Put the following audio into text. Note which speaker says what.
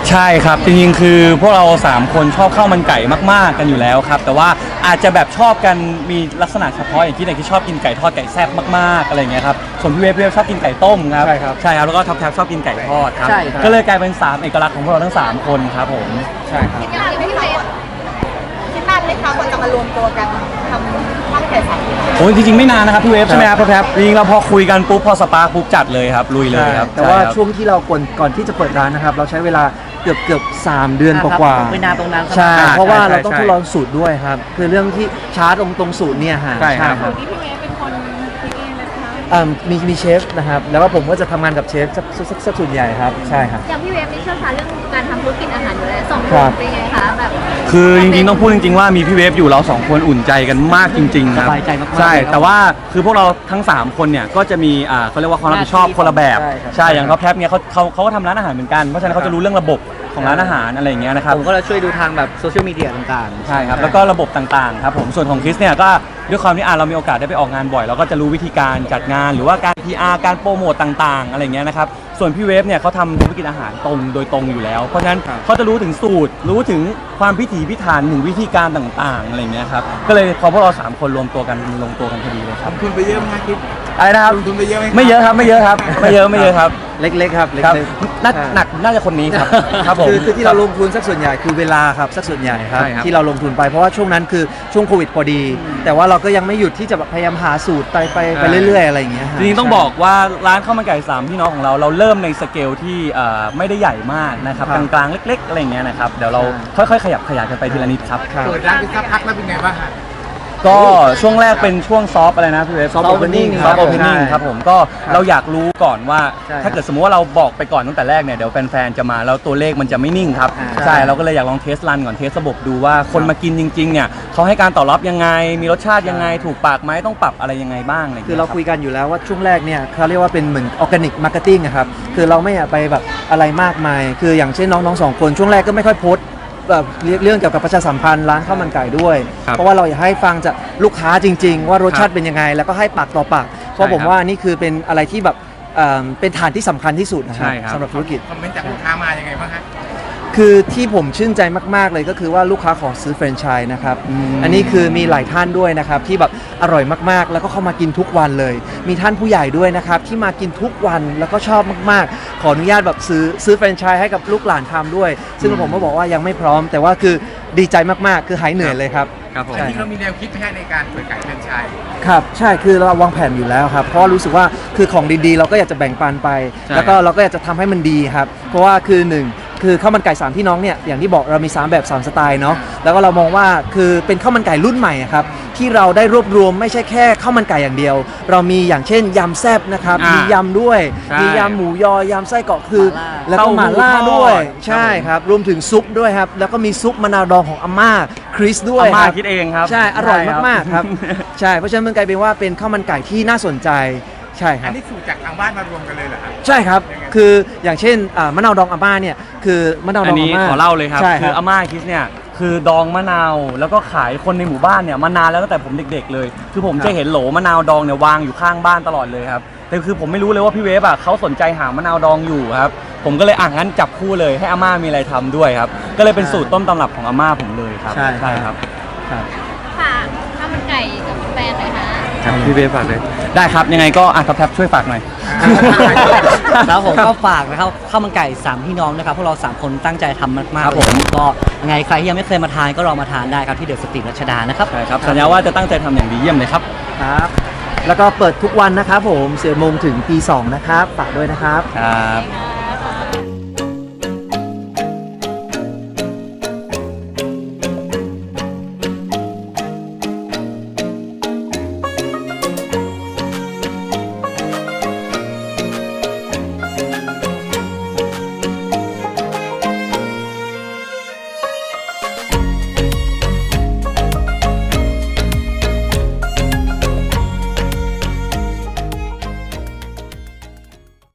Speaker 1: ใช่ครับจริงๆคือพวกเรา3คนชอบข้าวมันไก่มากๆกันอยู่แล้วครับแต่ว่าอาจจะแบบชอบกันมีลักษณะเฉพาะอย่างที่ไหนที่ชอบกินไก่ทอดไก่แซ่บมากๆอะไรเงี้ยครับส่วนพี่เวฟชอบกินไก่ต้มครับ
Speaker 2: ใช่ครับ
Speaker 1: แล้วก็ท็อปแท็บชอบกินไก่ทอดครับ
Speaker 2: ใช่ครับ
Speaker 1: ก็เลยกลายเป็น3เอกลักษณ์ของพวกเราทั้ง3คนครับผม
Speaker 2: ใช่ครับ
Speaker 3: คิดนานไหมพี่เวฟคิดนานไหมคะกว่าจะมารวมตัวกันทำข้าวมันไก่สามพี่น้อง
Speaker 1: โอ้ยจริงๆไม่นานนะครับพี่เวฟใช่ไหมครับท็อปแท็บจริงๆเราพอคุยกันปุ๊บพอสปาร์คปุ๊บจัดเลยครับลุยเลยครับ
Speaker 2: แต่ว่าช่วงที่เราก่อนที่จะเปิดร้านนะครับเราใช้เวลาเกือบ3 เดือนกว่า
Speaker 4: เวลาตรงนั้น
Speaker 2: ใช่เพราะว่าเราต้องทดลองสูตรด้วยครับคือเรื่องที่ช้าตรงสูตรเนี่ยฮะ
Speaker 1: ใช่ครับ
Speaker 3: นี่พี่เวฟเป็นคนคิดเองเลยคะ
Speaker 2: มีเชฟนะครับแล้วก็ผมก็จะทำงานกับเชฟสักส่วนใหญ่ครับใช่ครับ
Speaker 3: อย่างพี่เวฟนี่เชี่ยวชาญเรื่องการทำธุรกิจอาหารอยู่แล้วสองค
Speaker 2: ครั
Speaker 3: น
Speaker 2: บ
Speaker 3: เป็นไงคะแบบ
Speaker 1: คือจริงๆต้องพูดจริงๆว่ามีพี่เวฟอยู่เรา2คนอุ่นใจกันมากจริงๆครับ
Speaker 4: สบายใจมากๆ
Speaker 1: ใช่
Speaker 4: เลยครับ
Speaker 1: แต่ว่าคือพวกเราทั้ง3คนเนี่ยก็จะมีเขาเรียกว่าความรับผิดชอบคนละแบบ
Speaker 2: ใช่ครับ
Speaker 1: ใช่อย่างท็อปแท็บเนี่ยเขาก็ทำร้านอาหารเหมือนกันเพราะฉะนั้นเขาจะรู้เรื่องระบบของร้านอาหารอะไรอย่างเงี้ยนะครับ
Speaker 4: ผมก็จะช่วยดูทางแบบโซเชียลมีเดียต่างๆ
Speaker 1: ใช่ครับแล้วก็ระบบต่างๆครับผมส่วนของคริสเนี่ยก็ด้วยความที่เรามีโอกาสได้ไปออกงานบ่อยเราก็จะรู้วิธีการจัดงานหรือว่าการ PR การโปรโมตต่างๆอะไรอย่างเงี้ยนะครับส่วนพี่เวฟเนี่ยเขาทำธุรกิจอาหารตรงโดยตรงอยู่แล้วเพราะฉะนั้นเขาจะรู้ถึงสูตรรู้ถึงความพิถีพิถันถึงวิธีการต่างๆอะไรอย่างเงี้ยครับก็เลยพอพวกเรา3คนรวมตัวกันลงตัวกันพอดีเลยครับ
Speaker 5: ลงทุนไปเยอะไหมครับคิด
Speaker 1: อะไรนะครับ
Speaker 5: ลงทุนไปเยอะไหม
Speaker 1: ไม่เยอะครับไม่เยอะครับไม่เยอะครับ
Speaker 2: เล็กๆครับเล็
Speaker 1: ครับ
Speaker 2: กๆ
Speaker 1: หนักน่าจะคนนี้ครับครับผม
Speaker 2: คือที่เราลงทุนสักส่วนใหญ่คือเวลาครับสักส่วนใหญ่ครับ
Speaker 1: ใช่ครับ
Speaker 2: ที่เราลงทุนไปเพราะว่าช่วงนั้นคือช่วงโควิดพอดี แต่ว่าเราก็ยังไม่หยุดที่จะพยายามหาสูตรไปเรื่อยๆอะไรอย่างเงี้ยฮะ
Speaker 1: จริงๆต้องบอกว่าร้านข้าวมันไก่3พี่น้องของเราเริ่มในสเกลที่ไม่ได้ใหญ่มากนะครับ
Speaker 2: ครั
Speaker 1: ก
Speaker 2: บ
Speaker 1: ลางๆเล็กๆอะไรอย่างเงี้ยนะครับเดี๋ยวเราค่อยๆขยับขยายกันไปทีละนิดครับ
Speaker 2: ครับ
Speaker 5: เปิดร้านไปสักพักแล้วเป็นไงบ้างฮะ
Speaker 1: ก็ช่วงแรกเป็นช่วงซอฟอะไรนะพี่เวฟ
Speaker 2: Soft opening
Speaker 1: ซอฟต์โอเพนนิ่ง
Speaker 2: ใช่
Speaker 1: ครับผมก็เราอยากรู้ก่อนว่า
Speaker 2: ใช่
Speaker 1: ถ้าเกิดสมมติว่าเราบอกไปก่อนตั้งแต่แรกเนี่ยเดี๋ยวแฟนๆจะมาแล้วตัวเลขมันจะไม่นิ่งครับ
Speaker 2: ใช่
Speaker 1: ใช่เราก็เลยอยากลองเทสรันก่อนเทสระบบดูว่าคนมากินจริงๆเนี่ยเขาให้การตอบรับยังไงมีรสชาติยังไงถูกปากไหมต้องปรับอะไรยังไงบ้างอะไรย่ง
Speaker 2: คือ
Speaker 1: งี้ย
Speaker 2: เราคุยกันอยู่แล้วว่าช่วงแรกเนี่ยเขาเรียกว่าเป็นเหมือนออร์แกนิกมาร์เก็ตติ้งครับคือเราไม่อยากไปแบบอะไรมากมาย คืออย่างเช่นน้องๆ2 คนช่วงแรกก็ไม่ค่อยโพสต์แบบเรื่องเกี่ยวกับประชาสัมพันธ์ร้านข้าวมันไก่ด้วย
Speaker 1: ครับ
Speaker 2: เพราะว่าเราอยากให้ฟังจากลูกค้าจริง ๆ ว่ารสชาติเป็นยังไง แล้วก็ให้ปากต่อปากเพราะผมว่านี่คือเป็นอะไรที่แบบเป็นฐานที่สำคัญที่สุดนะค
Speaker 1: ใช่
Speaker 2: รับ
Speaker 1: ครับ
Speaker 2: สำหรับธุรกิจ
Speaker 5: คอมเมนต์จากลูกค้ามายังไงบ้างฮะ
Speaker 2: คือที่ผมชื่นใจมากๆเลยก็คือว่าลูกค้าขอซื้อแฟรนไชส์นะครับ อันนี้คือมีหลายท่านด้วยนะครับที่แบบอร่อยมากๆ แล้วก็เข้ามากินทุกวันเลย มีท่านผู้ใหญ่ด้วยนะครับที่มากินทุกวันแล้วก็ชอบมากๆ ขออนุญาตแบบซื้อแฟรนไชส์ให้กับลูกหลานทำด้วย ซึ่งผมก็บอกว่ายังไม่พร้อม แต่ว่าคือดีใจมากๆ คือหายเหนื่อยเลยครับ
Speaker 1: ครับผม
Speaker 2: ใช่
Speaker 5: ที่เรามีแนวคิดไหมฮะในการเปิดไก่แฟรนไชส์
Speaker 2: ครับใช่คือเราวางแผนอยู่แล้วครับเพราะว่ารู้สึกว่าคือของดีๆ เราก็อยากจะแบ่งปันไป
Speaker 1: ใช่
Speaker 2: แล้วก็เราก็อยากจะทำให้มันดีครับเพราะว่าคือ1คือข้าวมันไก่3พี่น้องเนี่ยอย่างที่บอกเรามี3แบบ3สไตล์เนาะแล้วก็เรามองว่าคือเป็นข้าวมันไก่รุ่นใหม่อะครับที่เราได้รวบรวมไม่ใช่แค่ข้าวมันไก่อย่างเดียว เรามีอย่างเช่นยำแซ่บนะครับมียำด้วย
Speaker 1: ใช่
Speaker 2: มียำหมูยอยำไส้กรอกคือ
Speaker 4: หม่าล่า
Speaker 2: แล้วก็หม่าล่าด้วย
Speaker 1: เต้าหู้ทอด
Speaker 2: ใช่ครับรวมถึงซุปด้วยครับแล้วก็มีซุปมะนาวดองของอาม่าคริสด้วย
Speaker 1: อาม่า
Speaker 2: ครับ
Speaker 1: คิดเองครับ
Speaker 2: ใช่อร่อย
Speaker 1: ใช่
Speaker 2: มากๆครับ ใช่เพราะฉะนั้นมันกลายเป็นว่าเป็นข้าวมันไก่ที่น่าสนใจใช่ค
Speaker 5: อั
Speaker 2: รั
Speaker 5: น
Speaker 2: บ
Speaker 5: นี้สูตรจากทางบ้านมารวมกันเลยเหรอฮะ
Speaker 2: ใช่ครับ
Speaker 5: ยังไง
Speaker 2: คืออย่างเช่นมะนาวดองอาม่าเนี่ยคือมะนาวด
Speaker 1: อั
Speaker 2: อน ง
Speaker 1: นี้
Speaker 2: อาม่า
Speaker 1: ขอเล่าเลยครับ
Speaker 2: ใช่ค
Speaker 1: คื
Speaker 2: รั
Speaker 1: อบ อาม่าคิสเนี่ยคือดองมะนาวแล้วก็ขายคนในหมู่บ้านเนี่ยมานานแล้วตั้งแต่ผมเด็กๆเลย คือผมจะเห็นโหลมะนาวดองเนี่ยวางอยู่ข้างบ้านตลอดเลยครับแต่คือผมไม่รู้เลยว่าพี่เวฟเขาสนใจหามะนาวดองอยู่ครับผมก็เลยงั้นจับคู่เลยให้อาม่ามีอะไรทำด้วยครับก็เลยเป็นสูตรต้มตำรับของอาม่าผมเลยครับ
Speaker 2: ใช่
Speaker 1: ครับ
Speaker 2: ครับ
Speaker 3: ฝากข้าวมันไก่กับแฟนหน่อยคะ
Speaker 1: ครับพี่เวฟฝากเลยได้ครับยังไงก็ท็อปแท็บช่วยฝากหน่อย
Speaker 4: แล้วผมก็ฝากนะครับข้าวมันไก่3พี่น้องนะครับพวกเรา3คนตั้งใจทำมาก
Speaker 1: ครับ
Speaker 4: ๆเลย
Speaker 1: ผม
Speaker 4: ก็ยังไงใครที่ยังไม่เคยมาทานก็ลองมาทานได้ครับที่เดอะสตรีทรัชดานะครับ
Speaker 1: ใช่ครับสัญญาว่าจะตั้งใจทำอย่างดีเยี่ยมเลยครับ
Speaker 2: ครับ แล้วก็เปิดทุกวันนะครับผม10 โมงถึงตี 2นะครับฝากด้วยนะครับ
Speaker 1: ครับ